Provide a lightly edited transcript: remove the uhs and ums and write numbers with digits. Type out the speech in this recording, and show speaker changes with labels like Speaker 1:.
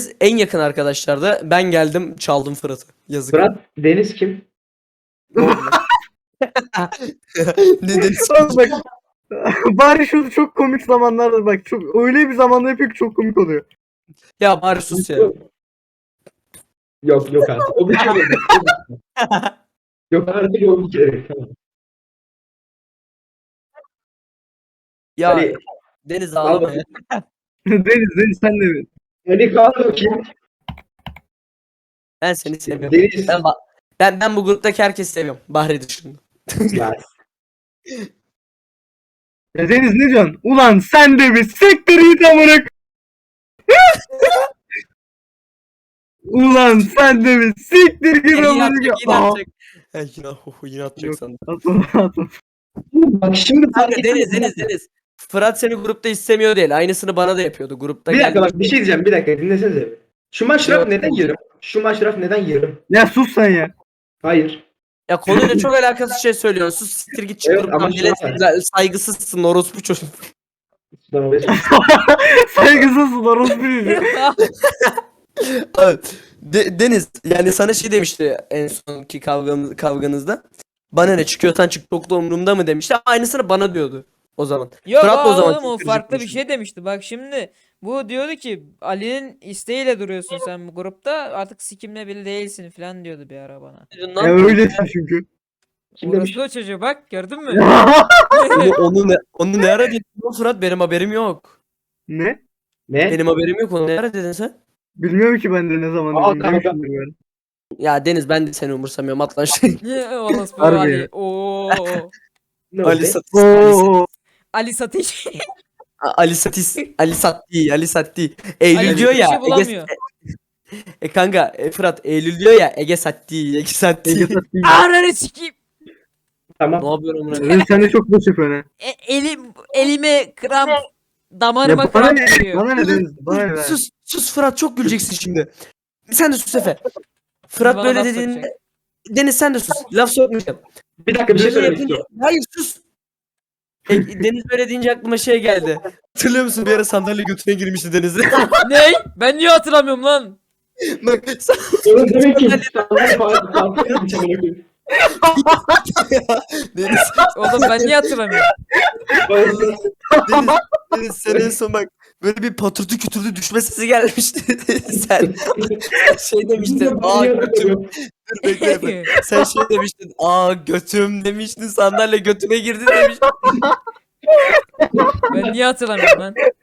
Speaker 1: en yakın arkadaşlardı. Ben geldim çaldım Fırat'ı. Yazık.
Speaker 2: Fırat, Deniz kim?
Speaker 1: Ne Deniz?
Speaker 3: Bak, bari şu çok komik zamanlarda bak çok öyle bir zamanda yapıyor ki çok komik oluyor.
Speaker 1: Ya bari sus ya.
Speaker 2: Yok artık. O bir kere. Yok artık o bir kere. Tamam.
Speaker 1: Ya
Speaker 2: Ali,
Speaker 1: Deniz
Speaker 2: al
Speaker 1: ağlama
Speaker 2: bakayım.
Speaker 1: ya.
Speaker 3: Deniz sen de mi?
Speaker 2: Ali kalk bakayım.
Speaker 1: Ben seni seviyorum.
Speaker 2: Deniz.
Speaker 1: Ben bu gruptaki herkesi seviyorum. Bahri dışında.
Speaker 2: Ya,
Speaker 3: Ya Deniz ne diyorsun? Ulan sen de bir siktir git amına. Ulan sen de bir siktir git
Speaker 1: Yine
Speaker 3: amına.
Speaker 1: atacak, yine
Speaker 3: Aa,
Speaker 1: atacak. Yine atacak
Speaker 3: Yok.
Speaker 1: sandım.
Speaker 3: atma.
Speaker 2: bak şimdi fark
Speaker 1: Kanka
Speaker 2: ettim.
Speaker 1: Deniz. Fırat seni grupta istemiyor değil. Aynısını bana da yapıyordu. Grupta
Speaker 2: Bir dakika
Speaker 1: geldi.
Speaker 2: bak bir şey diyeceğim. Bir dakika dinlesenize. Şu maşraf
Speaker 1: Yok.
Speaker 2: neden yarım? Şu maşraf neden yarım?
Speaker 3: Ya sus sen ya.
Speaker 2: Hayır.
Speaker 1: Ya konuyla çok alakasız şey söylüyorsun. Sus siktir git çık
Speaker 2: Evet,
Speaker 1: gruptan.
Speaker 2: ama
Speaker 1: Millet
Speaker 2: şu an-
Speaker 1: saygısızsın orospu çocuk.
Speaker 2: Lan oraya sus.
Speaker 3: Saygısızsın orospu çocuğu.
Speaker 1: Evet. Deniz yani sana şey demişti en sonki kavganızda. Bana ne çıkıyorsan çık çok da umurumda mı demişti. Aynısını bana diyordu o zaman.
Speaker 4: Yok
Speaker 1: Fırat da o zaman
Speaker 4: oğlum o
Speaker 1: çok
Speaker 4: farklı bir
Speaker 1: kırıcı
Speaker 4: şey demişti. Bak şimdi bu diyordu ki Ali'nin isteğiyle duruyorsun sen bu grupta artık sikimle bile değilsin falan diyordu bir ara bana.
Speaker 1: konuşuyordu.
Speaker 3: Ya öylesin çünkü.
Speaker 2: Kim demiş?
Speaker 4: Orası o çocuğu bak gördün mü?
Speaker 1: Onu ne ara dedin lan Fırat, benim haberim yok.
Speaker 3: Ne?
Speaker 2: Ne?
Speaker 1: Benim haberim yok, onu ne ara dedin sen?
Speaker 3: Bilmiyorum ki ben de ne zaman
Speaker 2: Aa,
Speaker 3: dedim.
Speaker 2: kanka.
Speaker 3: Demişimdir ben.
Speaker 1: Ya Deniz ben de seni umursamıyorum at lan şey.
Speaker 4: Orospu
Speaker 3: Harbi
Speaker 4: Ali.
Speaker 3: ya.
Speaker 4: Oo.
Speaker 2: Ne
Speaker 1: Ali
Speaker 2: oldu?
Speaker 1: Satis.
Speaker 3: Oo.
Speaker 4: Ali Satış.
Speaker 1: Ali Satis. Ali Satti. Eylül
Speaker 4: Ali
Speaker 1: diyor ya.
Speaker 4: Satış'ı bulamıyor.
Speaker 1: Kanka Fırat Eylül diyor ya Ege Satti.
Speaker 3: Ege satayım.
Speaker 4: Ananı sikeyim.
Speaker 2: Tamam.
Speaker 1: Ne yapıyorum amına?
Speaker 3: Deniz sen de çok boş yapıyorsun ha.
Speaker 4: Elime kramp
Speaker 3: Ya
Speaker 4: damarıma
Speaker 3: bana
Speaker 4: kramp
Speaker 3: ne?
Speaker 4: giriyor.
Speaker 3: Bana ne Deniz? Bana ne?
Speaker 1: Sus Fırat, çok güleceksin şimdi. Sen de sus Efe. Fırat
Speaker 4: Bana
Speaker 1: böyle
Speaker 4: laf
Speaker 1: dediğinde
Speaker 4: sokacak.
Speaker 1: Deniz sen de sus. Laf sokmayacağım.
Speaker 2: Bir dakika bir şey
Speaker 1: Böyle
Speaker 2: söylemek
Speaker 1: yapınca...
Speaker 2: istiyorum.
Speaker 1: Hayır sus. Deniz böyle deyince aklıma şey geldi. Hatırlıyor musun bir ara sandalye götüne girmişti Deniz'e?
Speaker 4: Ney? Ben niye hatırlamıyorum lan?
Speaker 1: Bak
Speaker 2: Onun demek ki insanlar farklı bir şey.
Speaker 1: Deniz,
Speaker 4: Oğlum ben niye hatırlamıyorum?
Speaker 1: Deniz sen en son bak böyle bir patırtı kütürdü düşme sesi gelmişti. Sen şey demiştin. Aa götüm. Dur bekle. Sen şey demiştin. Aa götüm demiştin. Sandalye götüme girdi demiştin.
Speaker 4: Ben niye hatırlamıyorum lan?